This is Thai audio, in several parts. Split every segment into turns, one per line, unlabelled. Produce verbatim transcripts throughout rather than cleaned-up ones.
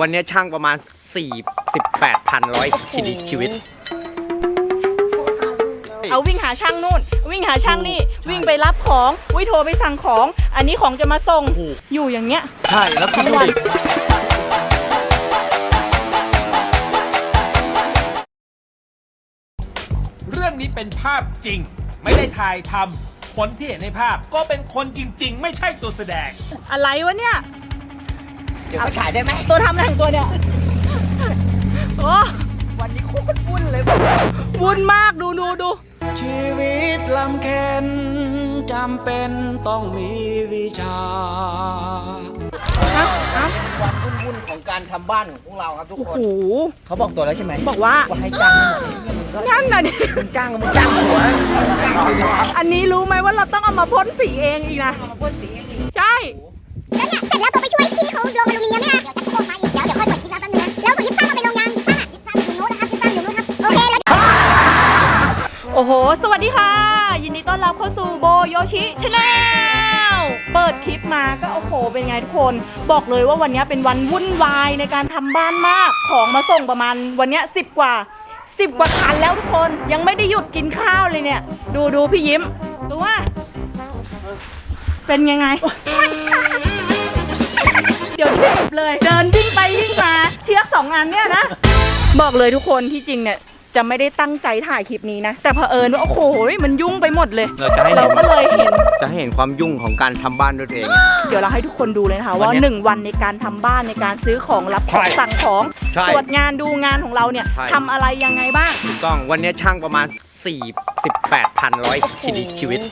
วันนี้ช่างประมาณสี่สิบแปดพันร้อยชีวิต
เอาวิ่งหาช่างนู่นวิ่งหาช่างนี่วิ่งไปรับของวิ่งโทรไปสั่งของอันนี้ของจะมาส่งอยู่อย่างเงี้ย
ใช่แล้วทั้งวัน
เรื่องนี้เป็นภาพจริงไม่ได้ถ่ายทำคนที่เห็นในภาพก็เป็นคนจริงๆไม่ใช่ตัวแสดง
อะไรวะเนี่ย
เดี๋ยวมาถ่ายได้ไหม
ตัวทำอะไรของตัวเนี่ยโอ้
วันนี้โคตรวุ่นเลย
วุ่นมากดูดูดู
ชีวิตลำเค็ญจำเป็นต้องมีวิชา
วันวุ่นๆของการทำบ้านของพวกเราครับทุกคน
โอ้โห
เขาบอกตัวแล้วใช่ไหม
บอกว่า
ว่าให้จ้าง
นั่นน่ะดิ
มึงจ้างมึงจ้างหัว
อันนี้รู้ไหมว่าเราต้องเอามาพ่นสีเองอีกนะ
มาพ่นสีเองอีก
ใช่
แล้วเนี่ยเสร็จแล้วตัวไปช่วยพี่เขาลงอลูมิเนียมเนี่ยเดี๋ยวจะโทรมาอีกเดี๋ยวเดี๋ยวค่อยเปิดคลิปแล้วแป๊บนึงนะแล้วยิบซ้ำมาไปโรงงานยิบซ้ำอ่ะยิบซ้ำอยู่นู้นนะครับยิบซ้ำอยู่นู้นครับโอเคแล้ว
โอ้โหสวัสดีค่ะยินดีต้อนรับเข้าสู่โบโยชิชาแนลเปิดคลิปมาก็โอ้โหเป็นไงทุกคนบอกเลยว่าวันนี้เป็นวันวุ่นวายในการทำบ้านมากของมาส่งประมาณวันนี้สิบกว่าสิบกว่าคันแล้วทุกคนยังไม่ได้หยุดกินข้าวเลยเนี่ยดูดูพี่ยิ้มดูว่าเป็นยังไงเดี๋ยวเจ็บเลยเดินวิ่งไปวิ่งมาเชือกสองอันเนี่ยนะบอกเลยทุกคนที่จริงเนี่ยจะไม่ได้ตั้งใจถ่ายคลิปนี้นะแต่เผอิญว่าโอ้โหมันยุ่งไปหมดเลย
เราจะให้
เราก็เลยเห็น
จะให้เห็นความยุ่งของการทำบ้านด้วยตัวเอง
เดี๋ยวเราให้ทุกคนดูเลยนะคะว่าหนึ่งวันในการทำบ้านในการซื้อของรับของสั่งของตรวจงานดูงานของเราเนี่ยทำอะไรยังไงบ้าง
ถูกต้องวันนี้ช่างประมาณสี่สิบแปดพันร้อยชีวิต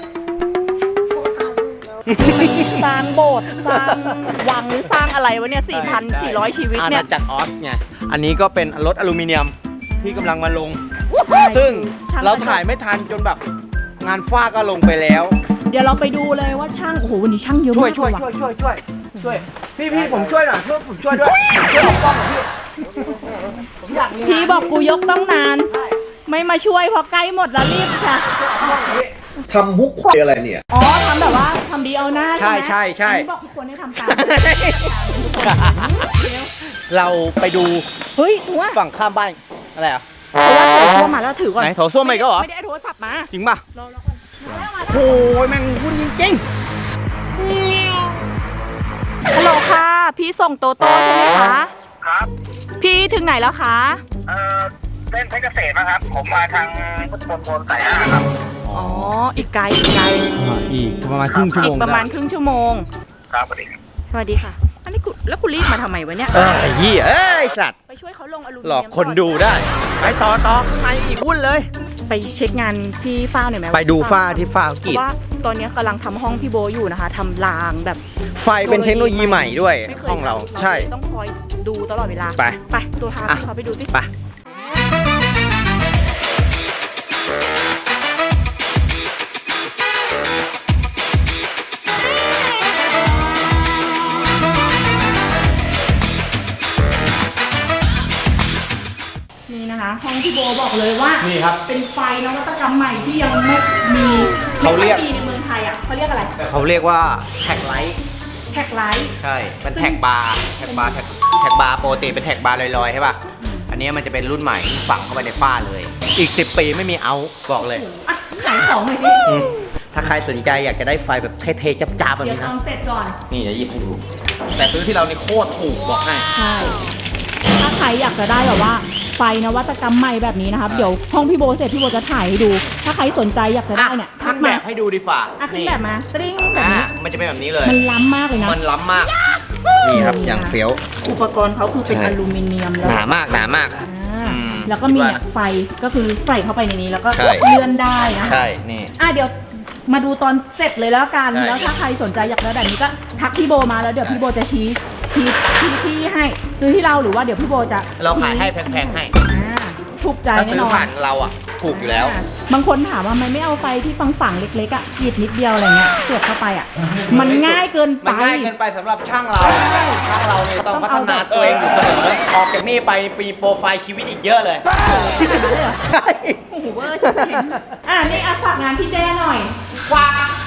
สร้างโบสถ์สร้างวังหรือสร้างอะไรวะเนี่ยสี่พันสี่ร้อยชีวิตเนี่ย
อาณาจักรออสไงอันนี้ก็เป็นรถอลูมิเนียมที่กำลังมาลงซึ่งเราถ่ายไม่ทันจนแบบงานฝ้าก็ลงไปแล้ว
เดี๋ยวเราไปดูเลยว่าช่างโอ้โหวันนี้ช่างเยอะมาก
ช่วยช่วยช่วยช่วยช่วยพี่พี่ผมช่วยหน่อยช่วยผมช่วยด้วยผมช่วยออกกล้องหน่อยพี่ผมอยาก
พี่บอกกูยกต้องนานไม่มาช่วยพอใกล้หมดแล้วรีบค่ะ
ทำมุกอะไรเนี่ย
อ๋อทำแบบว่าทำดีเอาหน้า
ใช่ใช่ใช่
บอกทุกคนให้ทำตาม
เราไปดู
เฮ้ยหัว
ฝั่งข้ามบ้านอะไรอ่ะ
เพราะว่าโถส้วมมาแล้วถือก่อน
ไหนโถส้วมไปก็เหรอ
ไม่ได้โทรศัพท์มา
จริงป่ะ
รอรอก่อน
โอ้ยแม่งวุ่นจริง
ๆฮัลโหลค่ะพี่ส่งโตโต้ใช่ไหมคะ
ครับ
พี่ถึงไหนแล้วคะ
เอ่อเส้นเพชรเกษมนะครับผมมาทางพุทธมณฑลสายห้าครับ
อ๋ออีกไกลอีกไกล
อีกประมาณครึ่งชั่วโมง
อีกประมาณครึ่งชั่วโมง
ครับสวัสดี
สวัสดีค่ะอันนี้กูแล้วกูรีบมาทำไมวะเนี่ย
เอ้ยยี่เอ้ยสัตว์
ไปช่วยเขาลงอลูมิเนียม
หลอกคนดูได้ไปต่อต่อข้างในอีกวุ่นเลย
ไปเช็คงานพี่ฟ้าหน่อยไหม
ไปดูฝ้าที่ฝ้ากีด
ว่าตอนนี้กำลังทำห้องพี่โบอยู่นะคะทำรางแบบ
ไฟเป็นเทคโนโลยีใหม่ด้วยห้องเราใช่
ต้องคอยดูตลอดเวลา
ไป
ไปตัวพาพี่เขาไปดูสิ
ไป
ห้องพี่โบบอกเลยว่า
นี่ครับ
เป็นไฟนวัตกรรมใหม่ที่ยังไม่มี
เขาเรียก
ในเมืองไทยอ่ะเขาเรียกอะไร
เขาเรียกว่าแท็กไลท์
แท็กไลท์
ใช่เป็นแท็กบาร์แท็กบาร์แท็กแท็กบาร์ปกติเป็นแท็กบาร์ลอยๆใช่ป่ะอันนี้มันจะเป็นรุ่นใหม่ฝังเข้าไปในฝ้าเลยอีกสิบปีไม่มีเอาบอกเลย
อ่ะขายของเลยดิ
ถ้าใครสนใจอยากจะได้ไฟแบบเท่ๆจับๆแบบนี้นะ
เดี๋ยวทำเสร็จก่อน
นี่จะหยิบให้ดูแต่ซื้อที่เราในโคตรถูกบอกให้
ใช่ถ้าใครอยากจะได้แบบว่าไฟนวัตกรรมใหม่แบบนี้นะครับเดี๋ยวห้องพี่โบเสร็จพี่โบจะถ่ายให้ดูถ้าใครสนใจอยากจะได้เนี่ย
ทักแบบให้ดูดีฝ่า
อ่ะขึ้นแบบมาตริ้งแบบนี้
มันจะเป็นแบบนี้เลย
มันล้ำมากเลยนะ
มันล้ำมากนี่ครับอย่างเฟี้ยว
อุปกรณ์เขาคือเป็นอลูมิเนียมแล้ว
หนามากหนามาก
แล้วก็มีไฟก็คือใส่เข้าไปในนี้แล้วก็เลื่อนได้นะ
ใช่นี่
อ่ะเดี๋ยวมาดูตอนเสร็จเลยแล้วกันแล้วถ้าใครสนใจอยากได้แบบนี้ก็ทักพี่โบมาแล้วเดี๋ยวพี่โบจะชี้ชี้ที่ที่ให้ซื้อที่เราหรือว่าเดี๋ยวพี่โบจะ
เราขายให้แพงๆให้
ถูกใจแน่นอนถ้า
ซื้อผ่านเราอ่ะถูกอยู่แล้ว
บางคนถามว่ามันไม่เอาไฟที่ฝังฝังเล็กๆอ่ะหยิบนิดเดียวอะไรเงี้ยเสียบเข้าไปอ่ะมันง่ายเกินไป
มันง่ายเกินไปสำหรับช่างเราช่างเราเนี่ยต้องพัฒนาตัวเองอยู่เสมอออกจากนี่ไปปีโปรไฟล์ชีวิตอีกเยอะเลย
ใช่โอ้โหเวอร์ชิบเห็นอ่ะนี่อาฝากงานพี่แจ้หน่อย
ฝากฝ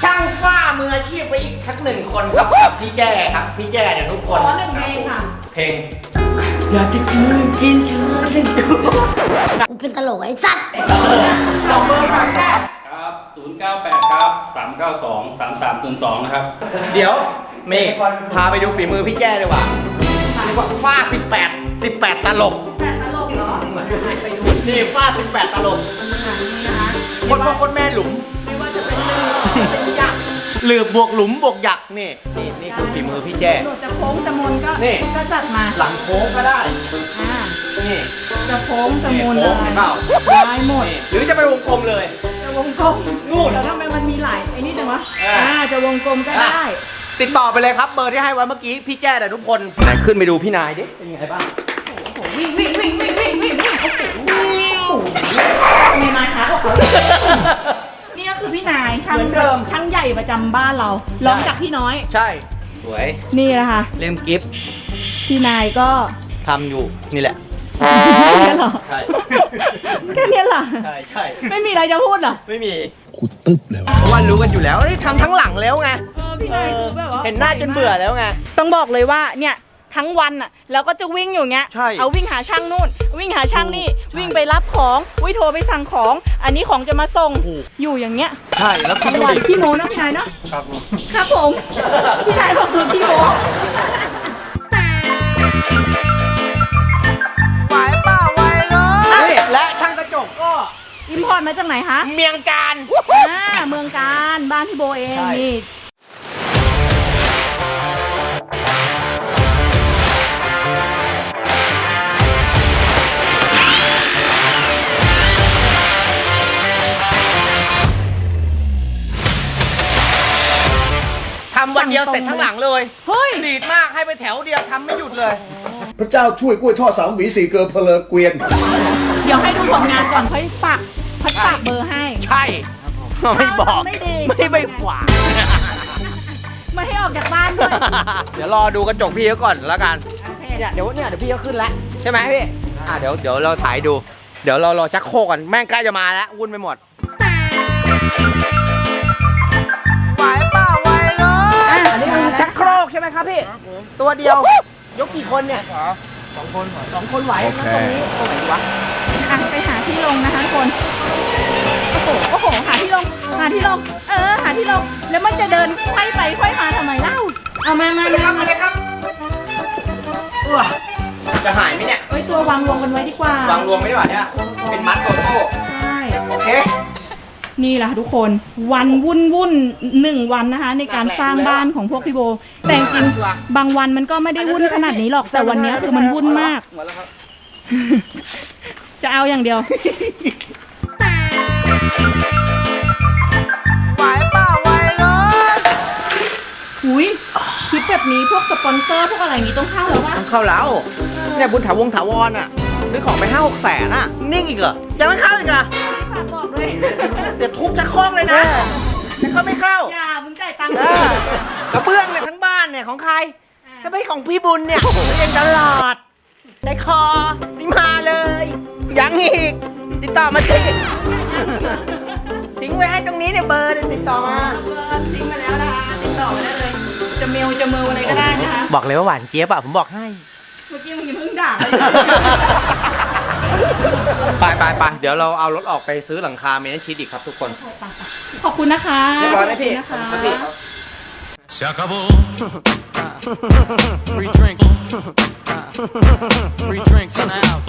ช่างฝ้ามืออาชีพไปอีกสักหนึ่งคนครับกับพี่แจ้ครับพี่แจ้เดี๋ยวทุกคน
ขอหนึ่งเพลงค่ะ
เพลงอยากจะคืนกินเธอสักตัว
กูเป็นตลกไอ้สัตว์
ลองเบอร์หน่อยแม่
ครับ ศูนย์ เก้า แปด ครับ สาม เก้า สอง สาม สาม ศูนย์ สอง นะครับ
เดี๋ยวเมย์พาไปดูฝีมือพี่แจ้เลยว่ะเรียกว่าฝ้าสิบแปด สิบแปดตลก
แปดตลกเหรอ
นี่ฝ้าสิบแปดตลก
อ่านี่นะคะ
คนพ่อคนแม่หลุม
ไม่ว่าจะเป็นเรื่องเป็นยักษ์
หรือบวกหลุมบวกหยักนี่นี่นี่คือฝีมือพี่แจ้
หนวดจะโค้งจะมนก็
นี่
ก็จัดมา
หลังโค้งก็ได้
อ่า
นี่
จะโค้งจะมน
นี่
อะ
โค้ง
ไร
เปล่า
ได้หมด
นี่หรือจะไปวงกลมเลย
จะวงกลม
นู่น
แล้วทำไมมันมีหลายไอ้นี่จังวะ
อ่า
อ่าจะวงกลมก็ได้
ติดต่อไปเลยครับเบอร์ที่ให้ไว้เมื่อกี้พี่แจ้แต่ทุกคนไหนขึ้นไปดูพี่นายดิเป็นยังไงบ้าง
โอ้โหวิ่งวิ่งวิ่งวิ่งวิ่งวิ่งวิ่งโอ้โหทำไมมาช้ากว่าเขานี่ก็คือพี่นายช่าง
เหมือนเดิม
ช่างใหญ่ประจำบ้านเราลองจากพี่น้อย
ใช่สวย
นี่แหละค่ะ
เล่มกิฟต์
พี่นายก็
ทำอยู่นี่แหละ
แค่เนี้ยเหรอ
ใช่
แค่เนี้ยเหรอ
ใช่ใช่
ไม่มีอะไรจะพูดเหรอ
ไม่มีขุดตึ๊บเลยเพราะว่ารู้กันอยู่แล้วนี่ทำทั้งหลังแล้วไง
เออพี่นายคือแบบว่า
เห็นหน้าจนเบื่อแล้วไง
ต้องบอกเลยว่าเนี่ยทั้งวันอ่ะเราก็จะวิ่งอยู่เงี้ย
ใช่
เอาวิ่งหาช่างนู่น วิ่งหาช่างนี่ วิ่งไปรับของวิโทรไปสั่งของ อันนี้ของจะมาส่ง
ถูก
อยู่อย่างเงี้ย
ใช่แล้วคิ
ทั้
ด
ง
ดู
วัน
ดิ
ขี้โมเนอะพี่นายเนาะ
ครับผม
ครับผมพี่นายบอกคือขี้โม
ไหวเปล่าไหวเลยและช่างกระจกก็
อิมพอร์ตมาจากไหนคะ
เมียงการ
อ่าเมืองการบ้านพี่โบเอง
ใช่
นี่
ทำวันเดียวเสร็จทั้งหลังเลย
เฮ้ย
ดีดมากให้ไปแถวเดียวทำไม่หยุดเลย
พระเจ้าช่วยกล้วยทอดสามหวีสี่เกลือเพลอเกวียน
เดี๋ยวให้ดูผลงานก่อนค่อยฝากค่อยฝากเบอร์ให้
ใช่ไม่บอก
ไม่ดี
ไม่ไปฝาก
ไม่ให้ออกจากบ้านด้วย
เดี๋ยวรอดูกระจกพี่เขาก่อนแล้วกัน
โอเค
เนี่ยเดี๋ยวเนี่ยเดี๋ยวพี่เขาขึ้นแล้วใช่ไหมพี่อ่าเดี๋ยวเดี๋ยวเราถ่ายดู เดี๋ยวเรารอชักโครกก่อนแม่งใกล้จะมาแล้ววุ่นไปหมดไหวเปล่าไหวเลย
อ่ะ
อันนี้คือชักโครกใช่ไหมครับพี่ตัวเดียวยกกี่คนเนี่ยสองคนสองคนไหวแล้วตรงนี้ตรงไหนดีวะ
อ่ะไปหาที่ลงนะคะทุกคน โอ้โห โอ้โห หาที่ลง หาที่ลง เออ หาที่ลง แล้วมันจะเดินไขว้ไปไขว้มาทำไมเล่า เอามามามามา
เออจะหายไหมเนี่ย
เอ้ยตัววางรวมกันไว้ดีกว่าว
างรวมไม่ได้หว่าเนี่ยเป็นมัดโตโต้
ใช่
โอเค
นี่แหละค่ะทุกคน วันวุ่นวุ่นหนึ่งวันนะคะ ในการสร้างบ้านของพวกพี่โบ แต่จริงๆบางวันมันก็ไม่ได้วุ่นขนาดนี้หรอก แต่วันนี้คือมันวุ่นมาก จะเอาอย่างเดียว
ไหวเปล่าไหวเลย
หุยคลิปแบบนี้พวกสปอนเซอร์พวกอะไรอย่างนี้ต้องเข้าแล้ววะ
ต้องเข้าแล้วเนี่ยบุญถาวงถาวรอ่ะซื้อของไปห้าหกแสนอ่ะนิ่งอีกเหรอยังไม่เข้าอีกเหรอ
ฝากบอกด้วย
เดี๋ยวทุบชักโครกเลยนะจะเข้าไม่เข้า
อย่ามึงจ่ายตังค์
เออกระเบื้องเนี่ยทั้งบ้านเนี่ยของใครถ้าไม่ของพี่บุญเนี่ยเรียนตลอดได้คอนี่มาเลยยังอีก ติดต่อมาสิทิ้งไว้ให้ตรงนี้เนี่ยเบอร์เดี๋ยวติดต่อมา
เบอร์ทิ้งมาแล้วนะคะติดต่อมาได้เลย จะเมลจะเมลอะไรก็ได้นะคะ
บอกเลยว่าหวานเจี๊ยบอะผมบอกให้
เมื่อกี้มึงยังเพิ่งด่าเลย
ไปไปไปเดี๋ยวเราเอารถออกไปซื้อหลังคาเมนชีดอีกครับทุกคน
ขอบคุณนะคะ
เรียบร้อยไหมพี่
ขอบ
ข
คุ
อบ
ณ
คุณ
นะคะ
พี่
Se acabó. Free drinks. Free drinks in the house.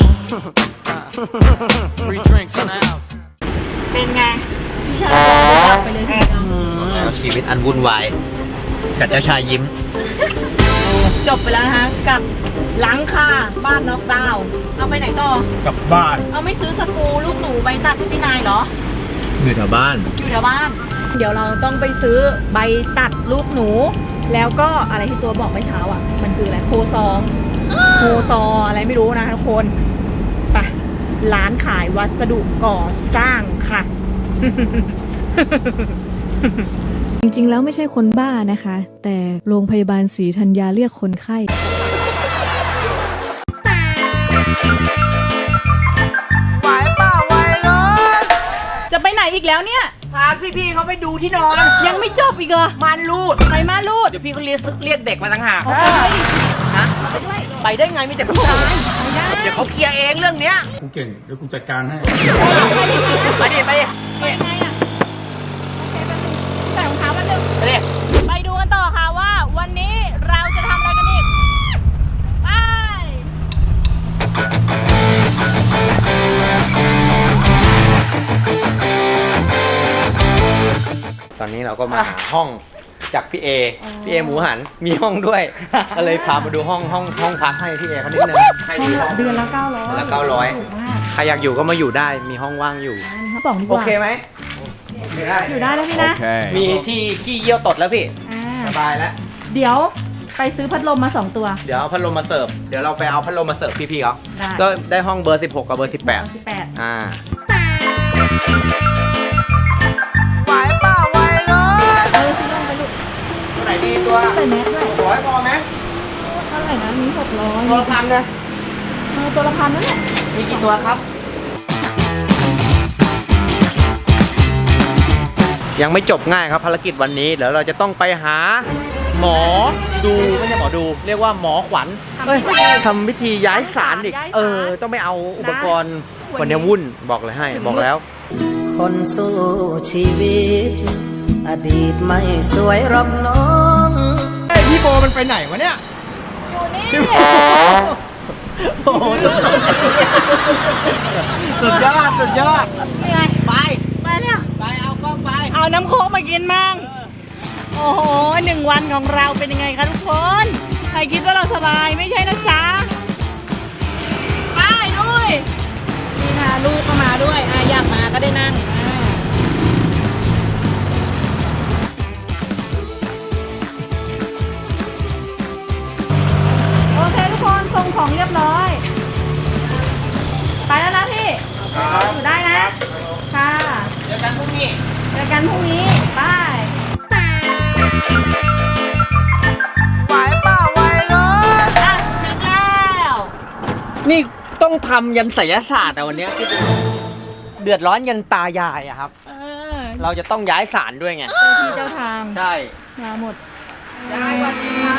Free drinks in the house.
เป็นไงพี่ชายกลับไปเลยทีเดียว
แล้วชีวิตอันวุ่นวายกับเจ้าชายยิ้ม
จบไปแล้วนะคะกับหลังคาบ้านน็อกดาวน์เอาไปไหนต่อ
กลับบ้าน
เอาไม่ซื้อสกรูลูกหนูใบตัดให้พี่นายเหรอ
อยู่แถวบ้าน
อยู่แถวบ้าน เดี๋ยวเราต้องไปซื้อใบตัดลูกหนู แล้วก็อะไรที่ตัวบอกเมื่อเช้าอ่ะ มันคืออะไรโคซองโคซออะไรไม่รู้นะทุกคนไปร้านขายวัสดุก่อสร้างค่ะ
จริงๆ แล้วไม่ใช่คนบ้านะคะ แต่โรงพยาบาลศรีธัญญาเรียกคนไข้
ไหวเปล่าไหวเลย
จะไปไหนอีกแล้วเนี่ย
ถ่ายาพี่ๆเขาไปดูที่นอน
ยังไม่จบอีกเหรอ
มันรูด
ไปมาลูด
เดี๋ยวพี่เขาเรียกซึกเรียกเด็กมาต่างหาก
เอาไปด้วยดิ
ฮะ
เอาไปด้วย
ไปได้ไงมีแต่ผู้ชาย
ไม่ได้
เดี๋ยวเขาเคลียร์เองเรื่องเนี้ย
กูเก่ง เดี๋ยวกูจัดการให้
ไปดิไปดิ
ไปไงอ่ะโอเคแป๊บนึงใส่รองเท้าแป๊บนึง
ไปดิ
ไปดูกันต่อค่ะว่าวันนี้เราจะทำอะไรกันอีก ไป
ตอนนี้เราก็มาหาห้องจากพี่เอพี่เอหมูหันมีห้องด้วย ก็เลยพามาดูห้องห้องห้องพักให้พี่เอเขานิดนึงให้ดูห้อง
เดือนละเก้าร้อย
เดือนละเก้าร้อย
ถูกมาก
ใครอยากอยู่ก็มาอยู่ได้มีห้องว่างอยู่
อันนี้เขาบอกดีก
โอ
ว่า
เคไหมไม่ได้
อยู่ได้แล้วพี่นะ
มีที่ขี้เยี่ยวตดแล้วพี่
อ่า
สบายแล้ว
เดี๋ยวไปซื้อพัดลมมาสองตัว
เดี๋ยวเอาพัดลมมาเสิร์ฟเดี๋ยวเราไปเอาพัดลมมาเสิร์ฟพี่ๆเขา
ได้
ก็ได้ห้องเบอร์สิบหกกับเบอร์สิบแปด
สิบแปด
อ่าไหวเปล่าไหวเลย
เออซื้อลงไปลูก
ตัวไหนดีตัว
ใส่แมสด้วย
ร้อยพอไหม
เท่าไหร่นะมีหกร้อย
ตัวละพันเลย
เออตัวละพันนั่นแหละ
มีกี่ตัวครับ ยังไม่จบง่ายครับภารกิจวันนี้เดี๋ยวเราจะต้องไปหา หมอดูไม่ใช่หมอดู เรียกว่าหมอขวัญเอ้ยทำพิธีย้ายศาลอีกเออ ต้องไปเอาอุปกรณ์วันนี้วุ่นบอกเลยให้บอกแล้ว
คนสู้ชีวิต อดีตไม่สวยหรอกน้อง
เฮ้ยพี่โบมันไปไหนวะเนี่ย
อยู่นี่
พี่โบโอ้โหสุดยอดสุดยอด
นี่ไง
ไป
ไปเนี่ย
ไปเอากล้องไป
เอาน้ำโค้กมากินมั่งโอ้โหหนึ่งวันของเราเป็นยังไงคะทุกคน ใครคิดว่าเราสบายไม่ใช่นะจ๊ะ ไปนุ้ยนี่ค่ะลูกก็มาด้วยอ่ะอยากมาก็ได้นั่งอ่าโอเคทุกคนส่งของเรียบร้อย ไปแล้วนะพี่อยู่ได้นะ ค่ะ
เจอกันพรุ่งนี้
เจอกันพรุ่งนี้ บาย
ไหวเปล่าไหวเลย
อ่ะถึงแล้ว
นี่ต้องทำยันไสยศาสตร์อะวันเนี้ยเดือดร้อนยันตายายอะครับ
เออ
เราจะต้องย้ายศาลด้วยไง
เจ้าที่เจ้าทาง
ใช่
มาหมด
ยายสวัสดีครับ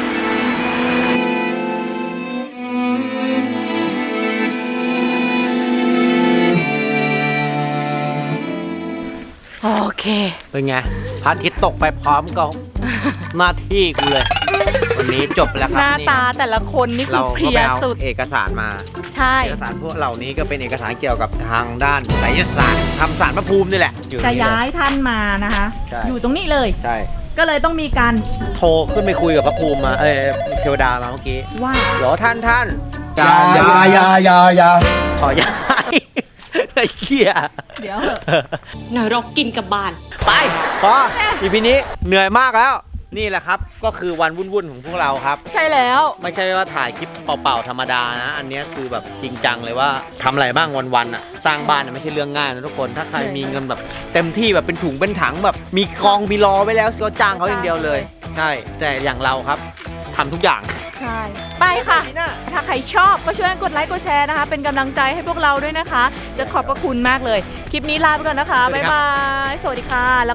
โอเค
เป็นไงพระอาทิตย์ตกไปพร้อมกับ หน้าที่กูเลย วันนี้จบแล้วค
ห
รับ
น้า
นี่
ตาแต่ละคนนี่คื
เรา
อเพ
ก็
ลี
ไป
ย
เอา
สุด
เอกสารมา
ใช่
เอกสารพวกเหล่านี้ก็เป็นเอกสารเกี่ยวกับทางด้านไสยศาสตร์ทำสารพระภูมินี่แหละอ
จะ
นี่เล
ย้ายท่านมานะคะ
ใช่
อยู่ตรงนี้เลย
ใช่
ก็เลยต้องมีการ
โทรขึ้นไปคุยกับพระภูมิมา เอ้ยเทวดามาเมื่อกี้
ว่า
เดี๋ยวท่านท่าน
ยายายายายา
ขอย้ายไอ้เหี้ย
เดี๋ยวเหอะ
นรกกินกับบาน
ไปพออีพีนี้เหนื่อยมากแล้ว นี่แหละครับ ก็คือวันวุ่นๆของพวกเราครับ
ใช่แล้ว
ไม่ใช่ว่าถ่ายคลิปเป่าๆธรรมดานะ อันเนี้ยคือแบบจริงจังเลยว่าทำอะไรบ้างวันๆอ่ะ สร้างบ้านน่ะไม่ใช่เรื่องง่ายนะทุกคน ถ้าใครมีเงินแบบเต็มที่แบบเป็นถุงเป็นถังแบบ มีกองมีรอไว้แล้วก็จ้างเขาอย่างเดียวเลย ใช่ แต่อย่างเราครับทำทุกอย่าง
ใช่ ไปค่ะ ถ้าใครชอบก็ช่วยกดไลค์กดแชร์นะคะ เป็นกำลังใจให้พวกเราด้วยนะคะ จะขอบพระคุณมากเลย คลิปนี้ลาไปก่อนนะคะ บ๊ายบาย สวัสดีค่ะ